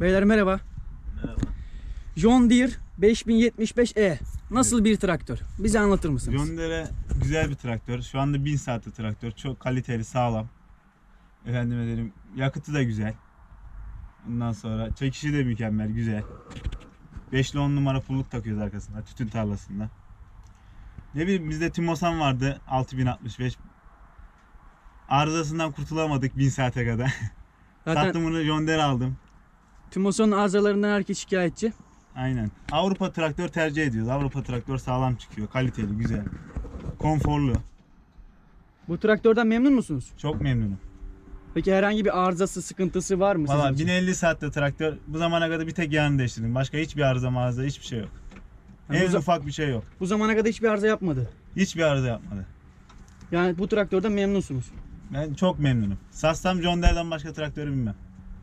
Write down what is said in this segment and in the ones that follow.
Beyler merhaba. Merhaba. John Deere 5075E. Nasıl bir traktör? Bize anlatır mısınız? John Deere güzel bir traktör. Şu anda 1000 saatli traktör. Çok kaliteli, sağlam. Efendime dedim, yakıtı da güzel. Ondan sonra çekişi de mükemmel, güzel. 5 ile 10 numara pulluk takıyoruz arkasında, tütün tarlasında. Ne bileyim, bizde Timosan vardı 6065. Arızasından kurtulamadık 1000 saate kadar. Zaten Sattım bunu, John Deere aldım. Timosan'ın arızalarından herkes şikayetçi. Aynen. Avrupa traktör tercih ediyoruz. Avrupa traktör sağlam çıkıyor, kaliteli, güzel. Konforlu. Bu traktörden memnun musunuz? Çok memnunum. Peki herhangi bir arızası, sıkıntısı var mı Valla sizin için? 1050 saatte traktör, bu zamana kadar bir tek yağını değiştirdim. Başka hiçbir arıza hiçbir şey yok. Yani En ufak bir şey yok. Bu zamana kadar hiçbir arıza yapmadı. Hiçbir arıza yapmadı. Yani bu traktörden memnunsunuz. Ben çok memnunum. Satsam John Deere'den başka traktörü bilmem.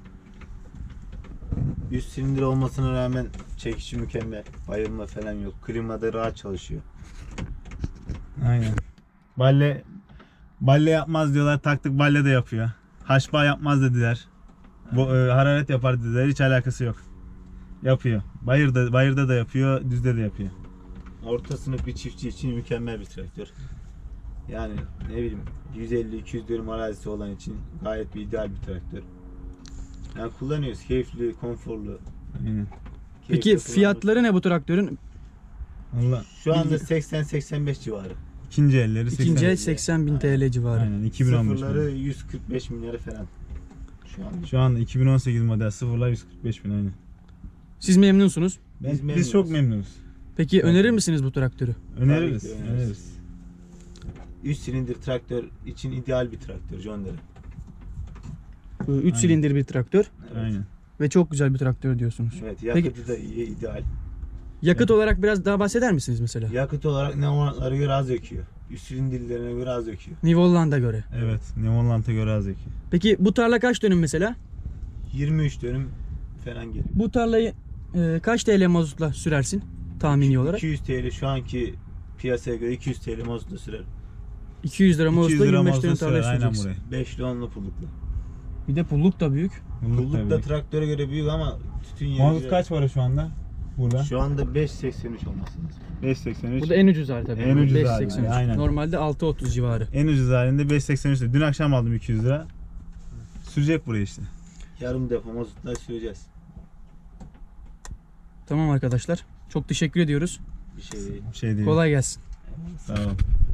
100 silindir olmasına rağmen çekişi mükemmel. Bayılma falan yok. Klimada rahat çalışıyor. Aynen. Balle yapmaz diyorlar. Taktık, balle de yapıyor. Haşba yapmaz dediler. Bu hararet yapar dediler. Hiç alakası yok. Yapıyor. Bayırda da yapıyor, düzde de yapıyor. Orta sınıf bir çiftçi için mükemmel bir traktör. Yani ne bileyim 150-200 dönüm arazisi olan için gayet bir ideal bir traktör. Yani kullanıyoruz. Keyifli, konforlu. Aynen. Peki Keyifli fiyatları ne bu traktörün? Valla şu anda 80-85 civarı. ikinci elleri İkinci el 80. 80.000 TL civarı. Aynen 2015 Sıfırları model. 145 milyarı falan. Şu anda. Şu anda 2018 model sıfırlar 145 bin aynen. Siz memnunsunuz. Biz çok memnunuz. Peki önerir misiniz bu traktörü? Öneririz. Tabii ki öneririz. Öneririz. 3 silindir traktör için ideal bir traktör John Deere. 3 Aynen. silindir bir traktör Evet. Aynen. ve çok güzel bir traktör diyorsunuz. Evet, yakıtı da iyi, ideal. Yakıt olarak biraz daha bahseder misiniz mesela? Yakıt olarak Neonland'lara göre az yakıyor. Üst silindirlerine göre az yakıyor. New Holland'a göre. Evet. Neonland'a göre az zeki. Peki bu tarla kaç dönüm mesela? 23 dönüm falan geliyor. Bu tarlayı kaç TL mazotla sürersin tahmini olarak? 200 TL şu anki piyasaya göre 200 TL mazotla sürer. 200 lira 200 mazotla lira 25 mazot dönüm sürer tarlaya aynen süreceksin. buraya. 5 ile 10'lu pullukla. Bir de pulluk da büyük. Pulluk da traktöre göre büyük ama tütün yeri Mazot güzel. kaç para şu anda? Burada. Şu anda 5.83 olması lazım. 5.83. Bu da en ucuz hali tabii. En ucuz hali, 5.83. aynen. Normalde 6.30 civarı. En ucuz halinde 5.83. Dün akşam aldım 200 lira. Sürecek buraya işte. Yarım depo mazotla süreceğiz. Tamam arkadaşlar. Çok teşekkür ediyoruz. Bir şey değil. Bir şey değil. Kolay gelsin. Sağ ol.